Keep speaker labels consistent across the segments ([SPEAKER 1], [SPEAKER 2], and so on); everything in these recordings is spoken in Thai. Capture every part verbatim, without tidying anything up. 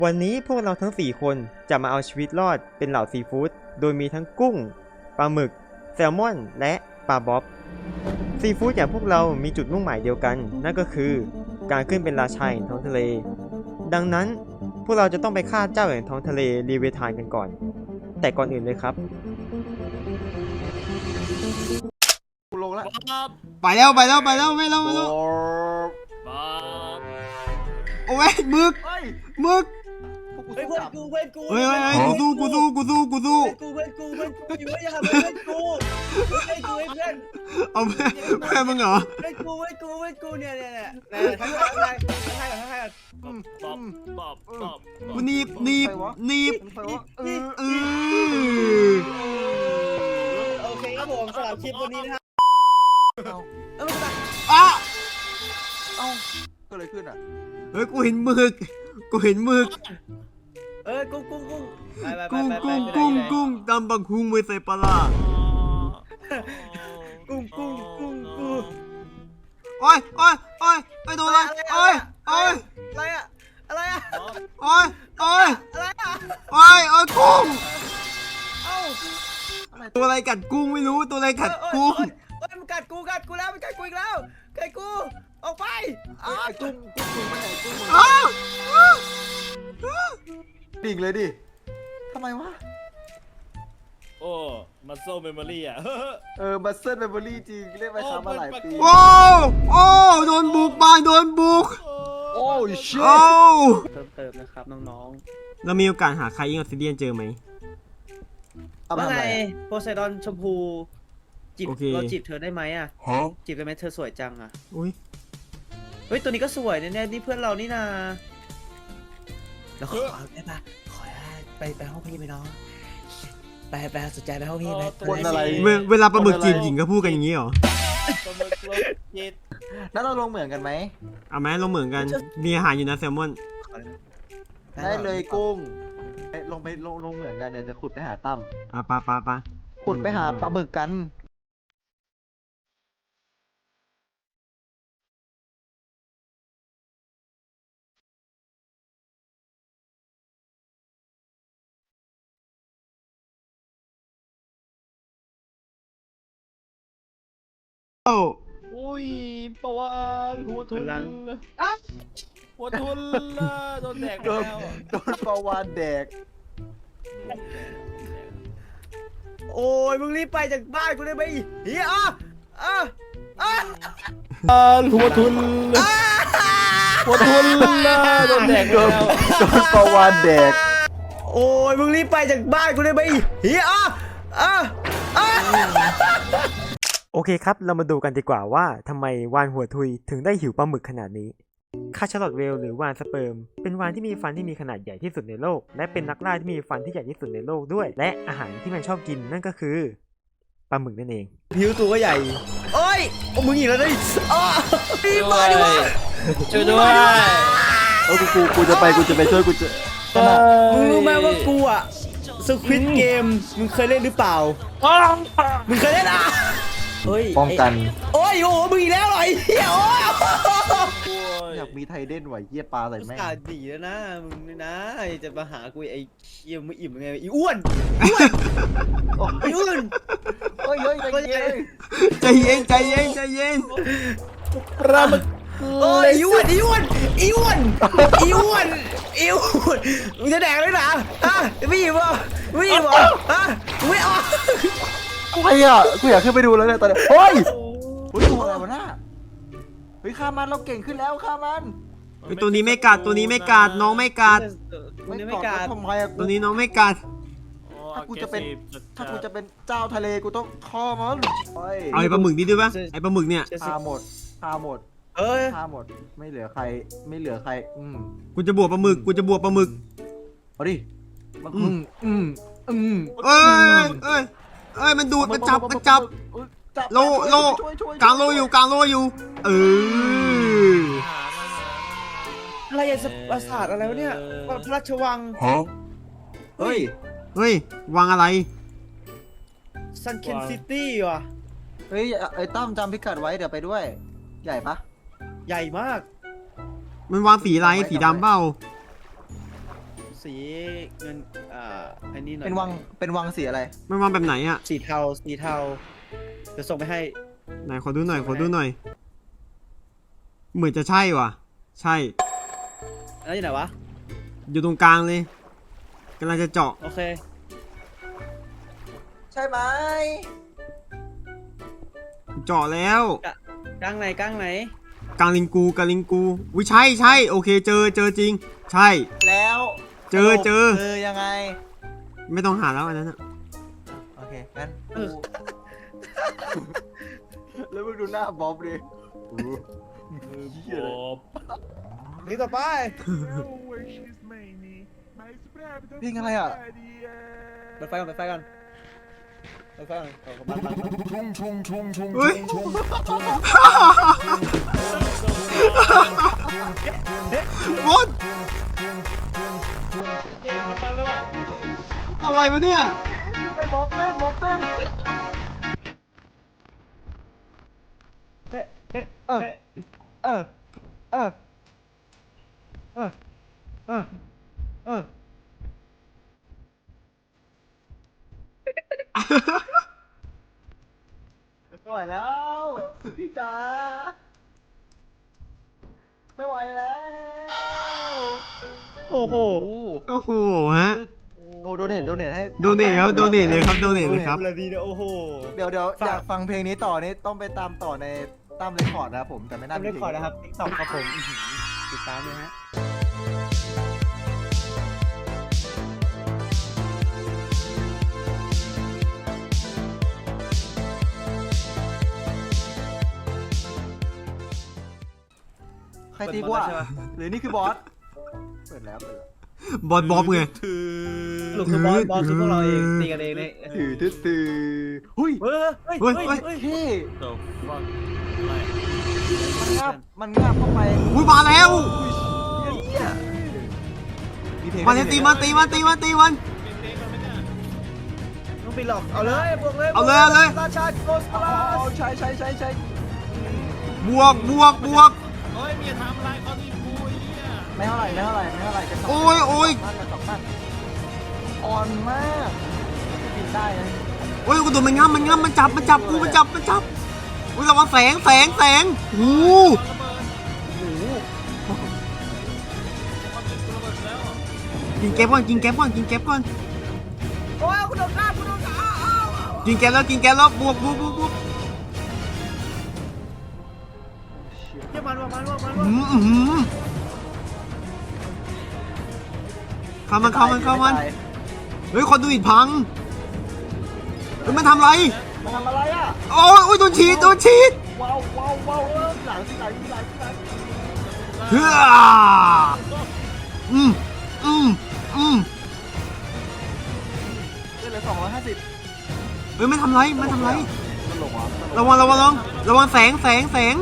[SPEAKER 1] วันนี้พวกเราทั้งสี่คนจะมาเอาชีวิตรอดเป็นเหล่าซีฟู้ดโดยมีทั้งกุ้งปลาหมึกแซลมอนและปลาบ๊อบซีฟู้ดอย่างพวกเรามีจุดมุ่งหมายเดียวกันนั่นก็คือการขึ้นเป็นราชาแห่งท้องทะเลดังนั้นพวกเราจะต้องไปฆ่าเจ้าแห่งท้องทะเลลีเวธานกันก่อนแต่ก่อนอื่นเลยครับ
[SPEAKER 2] ลงแล้ว
[SPEAKER 3] ไปแล้วไปแล้วไปแล้วไม่แล้วไม่แล้วโอ้ยมึกมึก
[SPEAKER 2] เฮ้ยเพื่อนกูเพื่อนกู
[SPEAKER 3] เฮ้ยเฮ้ยกูสู้กูสู้กูสู้กูสู้
[SPEAKER 2] กูเพื่อนกูเพื่อนกูอยู่ไม่ยังเพื่อนกูเพื่อนกูเพื่อน
[SPEAKER 3] เอาเพื่อนเพื่อนมึงเหรอ
[SPEAKER 2] เพื่อนกูเพื่อนกูเพื่อนกูเนี่ยเนี่ยเนี่ยทั้งทั้งทั้งทั้งทั้งทั้งตอบตอบตอบ
[SPEAKER 3] กูหนีบหนีบหนีบเออเออ
[SPEAKER 2] โอเคครับผมสำหรับคลิปวันนี้นะครับเอ้า
[SPEAKER 3] อ้า
[SPEAKER 2] เอ้าก็เลยขึ้นอ่ะ
[SPEAKER 3] เฮ้ยกูเห็นหมึกกูเห็นหมึก
[SPEAKER 2] เออกุ้งกุ้งกุ้ง
[SPEAKER 3] กุ้งกุ้งกุ้งกุ้งตำบักหุ่งไม่ใส่ปลา
[SPEAKER 2] กุ้งกุ้งกุ้งกุ้ง
[SPEAKER 3] โอ้ยโอ้ยโอ้ยไอ้โดนอะไรโอ้ยโอ้ย
[SPEAKER 2] อะไรอะอะไรอะ
[SPEAKER 3] โอ้ยโอ้ย
[SPEAKER 2] อะไรอะ
[SPEAKER 3] โอ้ยโอ้ยกุ้ง
[SPEAKER 2] เอ้า
[SPEAKER 3] ตัวอะไรกัดกุ้งไม่รู้ตัวอะไรกัดกุ้ง
[SPEAKER 2] เฮ้ยมันกัดกูกัดกูแล้วมันกัดกูอีกแล้วกัดกูออกไปอ้าวกุ้งกุ้งกุ้งไปไหนกุ้งอ้าวดิ่งเลยดิทำไมวะ
[SPEAKER 4] โอ้มัสเซิลเมมโมรี่อ่ะ
[SPEAKER 2] เออมัสเซิลเมมโมรี่จริงเล่นมาช้ามาหลายปี
[SPEAKER 3] โอ้โอ้โดนบุกบ้านโดนบุก
[SPEAKER 2] โอ้ชิ
[SPEAKER 3] โอ้
[SPEAKER 2] เติมเติมนะครับน้อง
[SPEAKER 3] ๆเรามีโอกาสหาใครยิงออสซิเดียนเจอไหม
[SPEAKER 2] ว่าไงโพไซดอนชมพูจีบเราจีบเธอได้ไหมอ่ะจีบได้ไหมเธอสวยจังอ่ะ
[SPEAKER 3] อุ้ย
[SPEAKER 2] เฮ้ยตัวนี้ก็สวยแน่ๆนี่เพื่อนเรานี่นาแล้วขอได้ปะขอไปไปห้องพี่ไหมน้องไปไปสนใจไปห้องพี่ไหม
[SPEAKER 3] คนอะไรเวลาปลาหมึกจีบหญิงก็พูดกันอย่างนี้เหรอ
[SPEAKER 4] ปลาหมึกลงจีบ
[SPEAKER 2] แล้วเราลงเหมือนกันไหม
[SPEAKER 3] เอาไหมลงเหมือนกันมีอาหารอยู่นะแซลมอน
[SPEAKER 2] ได้เลยกุ้งลงไปลงลงเหมือนกันเดี๋ยวจะขุดไปหาตั้ม
[SPEAKER 3] อ่ะปลาปลาปลา
[SPEAKER 2] ขุดไปหาปลาหมึกกัน
[SPEAKER 3] โอ้
[SPEAKER 4] โอ้ยปะวานหัวทุนหัวทุนละโดนแดกแล้ว
[SPEAKER 2] โดนปะวานแดกโอ้ยมึงรีบไปจากบ้านกูได้ไหมเฮียอ่ะอ่ะอ่ะ
[SPEAKER 4] หัวทุนหัวทุนละโดนแดกแล้ว
[SPEAKER 2] โดนปะวานแดกโอ้ยมึงรีบไปจากบ้านกูได้ไหมเฮียอ่ะอ่ะอ่ะ
[SPEAKER 1] โอเคครับเรามาดูกันดีกว่าว่าทำไมวานหัวทุยถึงได้หิวปลาหมึกขนาดนี้คาชาลอตเวลหรือวานสเปิร์มเป็นวานที่มีฟันที่มีขนาดใหญ่ที่สุดในโลกและเป็นนักล่าที่มีฟันที่ใหญ่ที่สุดในโลกด้วยและอาหารที่มันชอบกินนั่นก็คือปลาหมึกนั่นเอง
[SPEAKER 2] ผิวตัวก็ใหญ่โอ้ยมึงอีกแล้วดิอ๋อรีบมาดิวะ
[SPEAKER 4] ช่วยด้วย
[SPEAKER 2] โอ้กูกูกูจะไปกูจะไปช่วยกูจะมึงรู้ไหมว่ากูอะสควิดเกมมึงเคยเล่นหรือเปล่ามึงเคยเล่นอ่ะป้องกันโอ้ยโอ้มึงอีกแล้วเหรอไอ้เหี้ยโอ้ยอยากมีไทเด้นไหวเหี้ยปลาใส่แม่งดีแล้วนะมึงนี่นะจะมาหากูไอ้เหี้ยมึงอิ่มไงไอ้อ้วนอ้วนไอ้อ้วนโอ้ยเฮ้ย
[SPEAKER 3] ใจเย็นใจเย็นใจเย็น
[SPEAKER 4] ปลาหมึก
[SPEAKER 2] โอ้ยอ้วนอ้วนอ้วนอ้วนอ้วนมึงจะแดกเลยนะฮะไม่อิ่มวะไม่อิ่มวะฮะไม่ออกกูไอ้อะกูอยากขึ้นไปดูแล้วเนี่ยตอนนี้เฮ้ยเฮ้ยตัวอะไรวะน่ะเฮ้ยฆ่ามันเราเก่งขึ้นแล้วฆ่ามัน
[SPEAKER 3] ตัวนี้ไม่กัดตัวนี้ไม่กัดน้องไม่กัด
[SPEAKER 2] ตัวนี้ไม่กัดทำไมอะ
[SPEAKER 3] ตัวนี้น้องไม่กัด
[SPEAKER 2] ถ้ากูจะเป็นถ้ากูจะเป็นเจ้าทะเลกูต้องฆ่ามัน
[SPEAKER 3] เอาไอ้ปลาหมึกนี่ด้วยปะไอ้ปลาหมึกเนี่ย
[SPEAKER 2] ฆ่าหมดฆ่าหมดเอ้ยฆ่าหมดไม่เหลือใครไม่เหลือใครอืม
[SPEAKER 3] กูจะบวกปลาหมึกกูจะบวกปลาหมึก
[SPEAKER 2] เอาดิอืมอืมอืม
[SPEAKER 3] เอ้ยเอ้ยเอ้ยมันดูดมันจับมันจับโลโลกลางโลอยู่กลางโลอยู่เออ
[SPEAKER 2] อะไรอย่างปราสาทอะไรวะเนี่ยพระราชวังเฮ้ย
[SPEAKER 3] เฮ้ยวังอะไร
[SPEAKER 2] ซันเคนซิตี้ว่ะเฮ้ยไอ้ตั้มจำพิกัดไว้เดี๋ยวไปด้วยใหญ่ปะใหญ่มาก
[SPEAKER 3] มันวางสีอะไรสีดำเปล่า
[SPEAKER 4] สีเงินอ่าอันนี้หน่อย
[SPEAKER 2] เป็นวังเป็นวังสีอะไร
[SPEAKER 3] มันมาแบบไหนอ่ะ
[SPEAKER 4] สีเทาสีเทาจะส่งไปให้
[SPEAKER 3] ไหนขอดูหน่อยขอดูหน่อย เหมือนจะใช่ว่ะ ใช่
[SPEAKER 4] แล้วอยู่ไหนวะ
[SPEAKER 3] อยู่ตรงกลางเลยกำลังจะเจาะ
[SPEAKER 4] โอเค
[SPEAKER 2] ใช่ไหม
[SPEAKER 3] เจาะแล้ว
[SPEAKER 4] กลางไหนกลางไหน
[SPEAKER 3] กลางลิงกูกลางลิงกูวิใช่ใช่โอเคเจอเจอจริง ใช่
[SPEAKER 2] แล้ว
[SPEAKER 3] เจอเจอ
[SPEAKER 2] คือยังไง
[SPEAKER 3] ไม่ต้องหาแล้วอันนั้นอะ
[SPEAKER 2] โอเคงั้นกูแล้วมึงดูหน้าบ๊อบดิ
[SPEAKER 4] นี่ต่อไป
[SPEAKER 2] เพลงอะไรอ่ะ
[SPEAKER 4] เปิดไฟก่อนเปิดไฟก่อนเปิดไฟก่อนเอาเข้ามามามา
[SPEAKER 3] เฮ้ยบอสอะไรวะเนี่ย
[SPEAKER 2] บ๊อบเต้นบ๊อบเต้นเออเออเออเออเออเออไม่ไหวแล้วพี่จ๋าไม่ไหวแล้ว
[SPEAKER 4] โอ้โห
[SPEAKER 3] โอ้โหฮะ
[SPEAKER 2] โอ้โดเนทโดเนทให้
[SPEAKER 3] โดเนทครับโดเนทเลยครับโดเนทเลยครับ
[SPEAKER 4] เลยดีนะโอ้โห
[SPEAKER 2] เดี๋ยวเดี๋ยว
[SPEAKER 4] ฝาก
[SPEAKER 2] อยากฟังเพลงนี้ต่อนี่ต้องไปตามต่อในตามเรคคอร์ดนะครับผมแต่ไม่น่า
[SPEAKER 4] ทำ
[SPEAKER 2] มี
[SPEAKER 4] เรียก
[SPEAKER 2] เพลง
[SPEAKER 4] ก่อนนะครับติ๊กต็อกครับผมอื้อหือติดตามเลยฮะ
[SPEAKER 2] ใครตีกูอ่ะหรือนี่คือบอสเปิดแล้วเปิดแล้ว
[SPEAKER 3] บอสบอบไง
[SPEAKER 4] สรุปคือบอสบอสคือพวกเราเองตีกันเองเนี่ย
[SPEAKER 2] ถือตื้อตื้อหุ้ย
[SPEAKER 4] เฮ้ยเฮ้ย
[SPEAKER 3] เฮ้ย
[SPEAKER 4] เฮ้ย
[SPEAKER 3] เฮ้ย
[SPEAKER 4] เฮ้ย
[SPEAKER 2] เท่
[SPEAKER 4] เดี๋ยวฟัง
[SPEAKER 2] มันงาบมันงาบเข้าไป
[SPEAKER 3] อุ้ยมาแล้ว
[SPEAKER 2] เหี้ยเพลง
[SPEAKER 3] มาเลยตีมันตีมันตีมันตีมัน
[SPEAKER 4] ต้องไปหลอกเอาเลยบวกเลย
[SPEAKER 3] เอาเลยเอาเลย
[SPEAKER 4] ราชาโกส
[SPEAKER 2] เอา
[SPEAKER 4] ลา
[SPEAKER 2] เอาใช่ใช่ใช่ใช่
[SPEAKER 3] บวกบวกบวก
[SPEAKER 4] เฮ้ยมีทำอะไรเขาที่กูเนี่ย
[SPEAKER 2] ไม่เท่าไหร่ไม่เท่าไหร่ไม่เท่าไหร่จะสอง
[SPEAKER 3] โอ้ยโอ้ย
[SPEAKER 2] มากจะสองมากอ่อนมากบินได้นะ
[SPEAKER 3] โอ้ยกูโดนมันงับมันงับมันจับมันจับกูมันจับมันจับอุ้ยระวังแสงแสงแสงโอ้โหกินแก๊ปก่อนกินแก๊ปก่อนกินแก๊ปก่อน
[SPEAKER 4] โอ้ยกูโดนฆ่ากูโดนฆ่าอ้าว
[SPEAKER 3] กินแก๊ปแล้วกินแก๊ปแล้วบวกบวกบวกบวก
[SPEAKER 4] เยี่ยมันว่ะมันว่ะมันว่ะ
[SPEAKER 3] อืมอืมเข้ามันเข้ามันเข้ามันเฮ้ยคนดูอิดพังเฮ้ยมันทำไร
[SPEAKER 2] มันทำอะไรอ่ะ
[SPEAKER 3] โอ้ยโอ้ยโดนฉีดโดนฉีด
[SPEAKER 2] ว้าวว้าวว้าวเออหลังที่หลังที่หลังที่หลัง
[SPEAKER 3] เฮ้ออืมอืมอืม
[SPEAKER 2] เล่นเลยสองร้อยห้าสิบ
[SPEAKER 3] เฮ้ยไม่ทำไรไม่ทำไร
[SPEAKER 2] มันหลงเหรอ
[SPEAKER 3] ระวังระวังระวังระวังแสงแสงแสง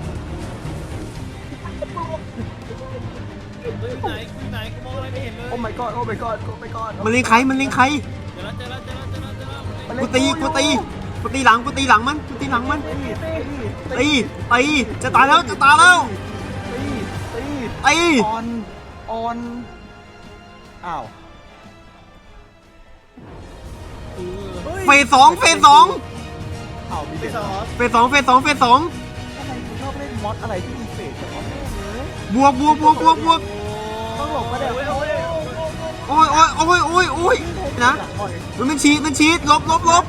[SPEAKER 4] เฮ้ยไหนกูไหนกูมองอะไรไม่เห็นเลย
[SPEAKER 2] โอ้ my god โอ้ my god โอ้ my god
[SPEAKER 3] มันเล็งใครมันเล็งใคร
[SPEAKER 4] เจอแล้วเจอแล้วเจอแล้วเจอแล้วเจอแล้ว
[SPEAKER 2] มัน
[SPEAKER 3] กู
[SPEAKER 2] เล่น
[SPEAKER 3] ตีกูตีกูตีหลังกูตีหลังมันกูตีหลังมัน
[SPEAKER 2] ตีตี
[SPEAKER 3] ตีตีจะตายแล้วจะตายแล้ว
[SPEAKER 2] ตีตี
[SPEAKER 3] ตี
[SPEAKER 2] ออนออนอ้าว
[SPEAKER 3] เฟสสองเฟสสอง
[SPEAKER 2] อ้าวมี
[SPEAKER 4] ไป
[SPEAKER 2] เด็ก
[SPEAKER 4] สอง
[SPEAKER 3] เฟสสองเฟสสองเฟสสอง
[SPEAKER 2] ทำไมคุณชอบเล่นมอดอะไรที่มีเฟสกับมอดเลย
[SPEAKER 3] บวกบวกบวกบวกบวก
[SPEAKER 2] ต้องหลบมาเดี๋ยวโอ้ย
[SPEAKER 3] โอ้ยโอ้ยโอ้ยโอ้ยโอ้ยนะมันมันฉีดมันฉีดลบลบลบ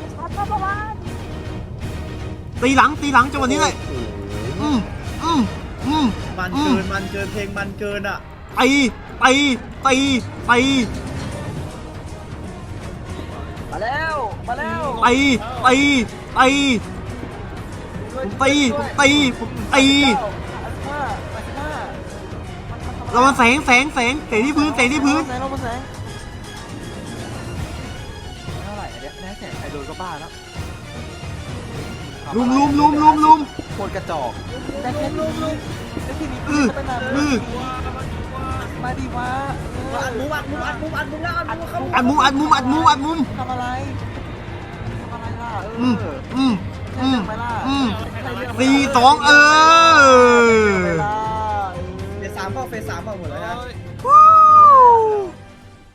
[SPEAKER 3] ตีหลังตีหลังจังหวะนี้เลยอืมอืมอืม
[SPEAKER 4] มันเกินมันเกินเพลงมันเกินอ่ะ
[SPEAKER 3] ตีตีตีตี
[SPEAKER 2] มาแล้วมาแล้ว
[SPEAKER 3] ตีตีตีตีตีตีระวังแสงแสงแสงแสงที่พื้นแสงที่พื้น
[SPEAKER 2] แสงเรามาแสงเท่าไหร่อันเนี้ยแน่แสงใครโดนก็บ้าแล้ว
[SPEAKER 3] ลุมลุมลุมลุมลุม
[SPEAKER 2] โคตรกระจอกแต่แค่ลุมลุมแต่ที่นี้
[SPEAKER 3] อือ
[SPEAKER 2] เป็นนาน
[SPEAKER 3] อือ
[SPEAKER 2] มาดีวะ
[SPEAKER 4] อัดมุมอัดมุมอัดมุมอัดมุมแล้วอัดมุมเข้า
[SPEAKER 3] อัดมุมอัดมุมอัดมุมอัดมุม
[SPEAKER 2] ทำอะไรทำอะไรล่ะเอ
[SPEAKER 3] อืม
[SPEAKER 2] อ
[SPEAKER 3] อืม
[SPEAKER 2] ใช่
[SPEAKER 3] อืม
[SPEAKER 2] เรื่องไหมล่ะ
[SPEAKER 3] อืม
[SPEAKER 2] ใช่เรื่องไหมล่ะ
[SPEAKER 3] สี่สองเออ
[SPEAKER 2] เวลา
[SPEAKER 4] เฟสสามเปล่าเฟสสามเปล่าหมดแล้วนะ
[SPEAKER 3] วู้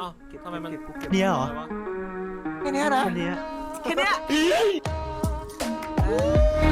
[SPEAKER 4] อ้าวทำไมมัน
[SPEAKER 2] เนี่ยเหรอ
[SPEAKER 4] อะไรวะ
[SPEAKER 5] แค่เนี้ยนะ
[SPEAKER 2] แค่เนี้ย
[SPEAKER 5] แค่เนี้ย